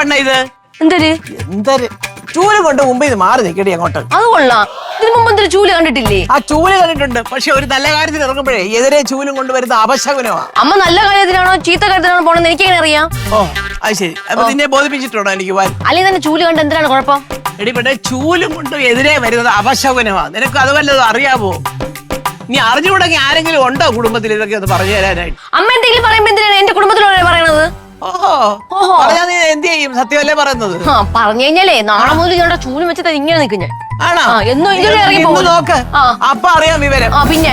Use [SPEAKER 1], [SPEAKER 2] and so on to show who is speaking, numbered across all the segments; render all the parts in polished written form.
[SPEAKER 1] പെണ്ണ ഇത്? എന്തൊരു ചൂല് കൊണ്ട് മുമ്പ് ഇത് മാറി നിൽക്കടി അങ്ങോട്ട്.
[SPEAKER 2] അത് കൊള്ളാം. ഇതിനു മുമ്പ് എന്തൊരു ചൂല് കണ്ടിട്ടില്ലേ?
[SPEAKER 1] ആ ചൂല് കണ്ടിട്ടുണ്ട്, പക്ഷെ ഒരു നല്ല കാര്യത്തിന് ഇറങ്ങുമ്പോഴേ എതിരെ ചൂലും കൊണ്ട് വരുന്ന അപശകുനമാണ്.
[SPEAKER 2] അമ്മ നല്ല കാര്യത്തിനാണോ ചീത്ത കാര്യത്തിനാണോ പോണെന്ന് എനിക്ക് എങ്ങനെ അറിയാം?
[SPEAKER 1] ഓ അത് ശരി. അപ്പൊ നിന്നെ ബോധിപ്പിച്ചിട്ടുണ്ടോ എനിക്ക്?
[SPEAKER 2] അല്ലെങ്കിൽ തന്നെ ചൂല് കണ്ട് എന്തിനാണ് കുഴപ്പം?
[SPEAKER 1] എടി പെട്ടെ, ചൂലും കൊണ്ട് എതിരെ വരുന്നത് അപശകുനമാണ്. നിനക്ക് അത് വല്ലതും അറിയാമോ? നീ അറിഞ്ഞുകൂടെങ്കിൽ ആരെങ്കിലും ഉണ്ടോ കുടുംബത്തിൽ ഇതൊക്കെ ഒന്ന് പറഞ്ഞു തരാനായിട്ട്?
[SPEAKER 2] അമ്മ എന്തെങ്കിലും പറയുമ്പോ എന്തിനാണ് എന്റെ കുടുംബത്തിലുള്ള പറയണത്?
[SPEAKER 1] പറഞ്ഞാ നീ എന്ത് ചെയ്യും? സത്യമല്ലേ പറയുന്നത്?
[SPEAKER 2] പറഞ്ഞു കഴിഞ്ഞാലേ നാളെ മുതൽ ഞങ്ങളുടെ ചൂലും വെച്ചിട്ട് ഇങ്ങനെ നിൽക്കും ഞാൻ.
[SPEAKER 1] ആണോ? നോക്ക്, അപ്പൊ അറിയാം വിവരം.
[SPEAKER 2] പിന്നെ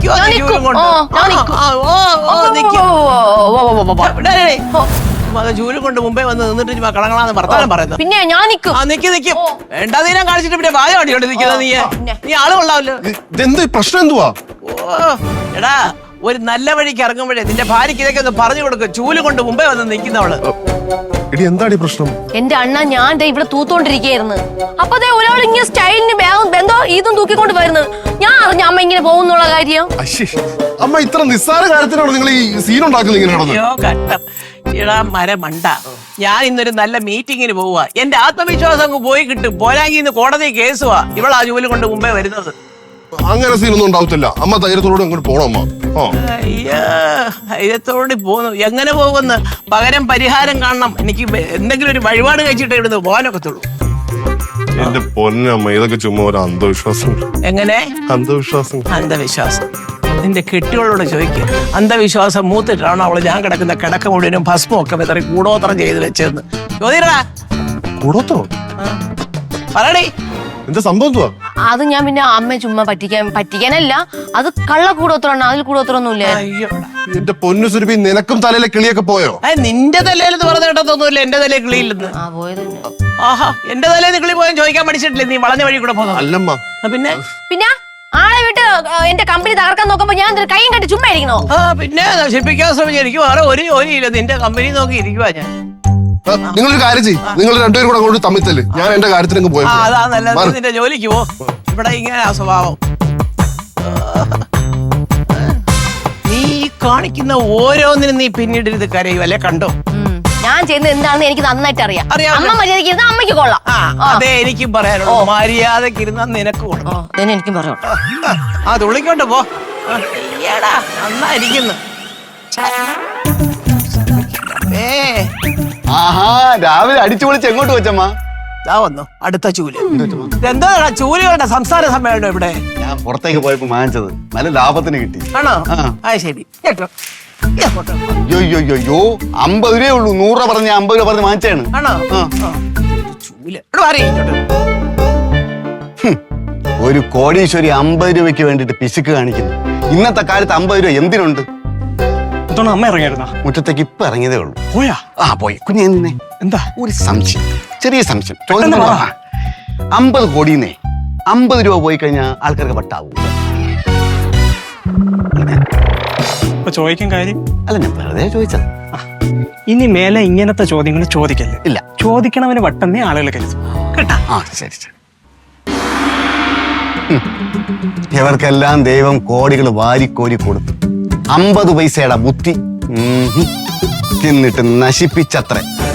[SPEAKER 1] ചൂലും കൊണ്ട് മുമ്പേ വന്ന് നിന്നിട്ട് കളങ്ങളാന്ന് വർത്താനം പറയുന്നത്.
[SPEAKER 2] പിന്നെ ഞാൻ നിൽക്കും.
[SPEAKER 1] നിക്കും വേണ്ടാതീനം കാണിച്ചിട്ട് പിന്നെ വായ അടിയോണ്ട് നിൽക്കുന്നത് നീ ആള് കൊള്ളാമല്ലോ.
[SPEAKER 3] പ്രശ്നം എന്തുവാ?
[SPEAKER 1] ഓ എടാ, ഒരു നല്ല വഴിക്ക് ഇറങ്ങുമ്പോഴേ നിന്റെ ഭാര്യക്ക് ഇതൊക്കെ ഒന്ന് പറഞ്ഞു കൊടുക്കും. ചൂല് കൊണ്ട് മുമ്പേ വന്ന് നിൽക്കുന്നവള്.
[SPEAKER 3] എന്താണ് പ്രശ്നം?
[SPEAKER 2] എന്റെ അണ്ണ, ഞാൻ ഇവിടെ തൂത്തോണ്ടിരിക്കുകയായിരുന്നു. അപ്പൊ ഒരാൾ ഇങ്ങനെ സ്റ്റൈലിന് ബന്ധോ ഇതും തൂക്കിക്കൊണ്ട് വരുന്നത്. ഞാൻ അറിഞ്ഞ അമ്മ ഇങ്ങനെ പോകുന്നുള്ള കാര്യം.
[SPEAKER 3] അമ്മ ഇത്ര നിസ്സാര കാര്യത്തിനാണ് നിങ്ങൾ ഈ സീൻ ഉണ്ടാക്കുന്നത്?
[SPEAKER 1] ഇടാ മരമണ്ട, ഞാൻ ഇന്നൊരു നല്ല മീറ്റിങ്ങിന് പോവുക. എന്റെ ആത്മവിശ്വാസം അങ്ങ് പോയി കിട്ടും. പോരാങ്കി ഇന്ന് കോടതി കേസുവാ ഇവളാ ജോലി കൊണ്ട് മുമ്പേ വരുന്നത്.
[SPEAKER 3] അങ്ങനെ സീനൊന്നും ഉണ്ടാവത്തില്ല. അമ്മ ധൈര്യത്തോടെ അങ്ങോട്ട് പോണം. അമ്മ
[SPEAKER 1] ധൈര്യത്തോടെ പോന്നു. എങ്ങനെ പോകുന്നു? പകരം പരിഹാരം കാണണം. എനിക്ക് എന്തെങ്കിലും ഒരു വഴിപാട് കഴിച്ചിട്ട് ഇവിടുന്ന് പോകാനൊക്കത്തുള്ളൂ.
[SPEAKER 3] എന്റെ പൊന്നമ്മ, ഇതൊക്കെ ചുമ്മാ ഒരു അന്ധവിശ്വാസം.
[SPEAKER 1] എങ്ങനെ
[SPEAKER 3] അന്ധവിശ്വാസം?
[SPEAKER 1] അന്ധവിശ്വാസം നിന്റെ കെട്ടികളോട് ചോദിക്കുക. അന്ധവിശ്വാസം മൂത്തിട്ടാണോ അവള് ഞാൻ കിടക്കുന്ന കിടക്ക മുഴുവനും ഭസ്മം ഒക്കെ വെതറി കൂടോത്രം ചെയ്ത് വെച്ചെന്ന് ചോദിക്കടാ.
[SPEAKER 3] കൂടോത്രം?
[SPEAKER 1] പറയണേ,
[SPEAKER 3] എന്താ സംഭവം?
[SPEAKER 2] അത് ഞാൻ പിന്നെ അമ്മ ചുമ്മാ പറ്റിക്കാനല്ല, അത് കള്ള കൂടോത്രമാണ്. അതിൽ കൂടോത്രമൊന്നുമില്ല.
[SPEAKER 3] എന്റെ പൊന്നു സുരഭി, നിനക്കും തലയിലെ കിളിയൊക്കെ പോയോ?
[SPEAKER 1] നിന്റെ തലയിൽ പറഞ്ഞ കേട്ടതൊന്നുമില്ല. എന്റെ തലയിൽ കിളിയില്ലെന്ന്. ആഹാ, എന്റെ തലേന്ന് കിളി പോയാൽ ചോദിക്കാൻ പഠിച്ചിട്ടില്ലേ? നീ വളഞ്ഞ വഴി കൂടെ പോകുന്നത്
[SPEAKER 3] അല്ലമ്മ.
[SPEAKER 1] പിന്നെ
[SPEAKER 2] പിന്നെ ആളെ വിട്ട് എന്റെ കമ്പനി തകർക്കാൻ നോക്കുമ്പോ ഞാൻ കൈയും കെട്ടി ചുമ്മാ ഇരിക്കണോ?
[SPEAKER 1] പിന്നെ നശിപ്പിക്കാൻ ശ്രമിച്ചു. എനിക്ക് വേറെ ഒരു ജോലിയില്ല. നിന്റെ കമ്പനി നോക്കി ഇരിക്കുവാ ഞാൻ.
[SPEAKER 3] നിങ്ങളൊരു കാര്യം ചെയ്യും, നിങ്ങൾ രണ്ടുപേരും കൂടെ അങ്ങോട്ട് തമ്മിത്തല്. ഞാൻ എന്റെ കാര്യത്തിനങ്ങ് പോയി.
[SPEAKER 1] അതാ നല്ലത്. നിന്റെ ജോലിക്ക് പോ. ഇവിടെ ഇങ്ങനെ സ്വഭാവം. നീ കാണിക്കുന്ന ഓരോന്നിനും നീ പിന്നീട് ഇത് കരയുമല്ലേ? കണ്ടോ
[SPEAKER 2] ഞാൻ ചെയ്യുന്നത് എന്താണെന്ന് എനിക്ക് നന്നായിട്ട് അറിയാം. അമ്മ മര്യാദയ്ക്ക് ഇരുന്ന അമ്മയ്ക്ക് കൊള്ളാം.
[SPEAKER 1] അതെ, എനിക്കും പറയാനുള്ളൂ. മര്യാദക്ക് ഇരുന്ന നിനക്ക് കൊള്ളാം.
[SPEAKER 2] എനിക്കും പറയാം.
[SPEAKER 1] ആ തുള്ളിക്കൊണ്ട് പോ. നന്നായിരിക്കുന്നു.
[SPEAKER 4] ആഹാ, രാവിലെ അടിച്ചു പൊളിച്ച് എങ്ങോട്ട് വെച്ചമ്മ?
[SPEAKER 1] വന്നു അടുത്ത ചൂല്. എന്താ ചൂലുകളുടെ സംസ്ഥാന സമ്മേളനം ഇവിടെ?
[SPEAKER 4] ഞാൻ പുറത്തേക്ക് പോയപ്പോ വാങ്ങിച്ചത് നല്ല ലാഭത്തിന് കിട്ടി.
[SPEAKER 1] ആണോ? ശരി. കേട്ടോ,
[SPEAKER 4] അയ്യോ 50 രൂപയേ ഉള്ളൂ. 100 രൂപ പറഞ്ഞ് 50 രൂപ പറഞ്ഞ് വാങ്ങിച്ചാണ്.
[SPEAKER 1] ആണോ? ചൂല്
[SPEAKER 4] ഒരു കോടീശ്വരി 50 രൂപയ്ക്ക് വേണ്ടിട്ട് പിശുക്ക് കാണിക്കുന്നു. ഇന്നത്തെ കാലത്ത് 50 രൂപ എന്തിനുണ്ട്?
[SPEAKER 5] അമ്മ ഇറങ്ങിയായിരുന്ന
[SPEAKER 4] മുറ്റത്തേക്ക് ഇപ്പൊ ഇറങ്ങിയതേ ഉള്ളൂ.
[SPEAKER 5] പോയാ?
[SPEAKER 4] പോയി. കുഞ്ഞെ
[SPEAKER 5] എന്താ?
[SPEAKER 4] ഒരു സംശയം, ചെറിയ സംശയം. 50 കോടിന്നേ 50 രൂപ പോയി കഴിഞ്ഞാൽ ആൾക്കാർക്ക് വട്ടാവും.
[SPEAKER 5] ചോദിക്കാൻ കാര്യം
[SPEAKER 4] അല്ല, ഞാൻ വെറുതെ ചോദിച്ചത്.
[SPEAKER 5] ഇനി മേലെ ഇങ്ങനത്തെ ചോദ്യങ്ങൾ ചോദിക്കല്ലേ?
[SPEAKER 4] ഇല്ല,
[SPEAKER 5] ചോദിക്കണവന് വട്ടെന്നേ ആളുകൾ കരുതും കേട്ടാ.
[SPEAKER 4] ശരി ശരി. ഇവർക്കെല്ലാം ദൈവം കോടികൾ വാരിക്കോരി കൊടുത്തു. 50 പൈസയുടെ ബുദ്ധി തിന്നിട്ട് നശിപ്പിച്ചത്രേ.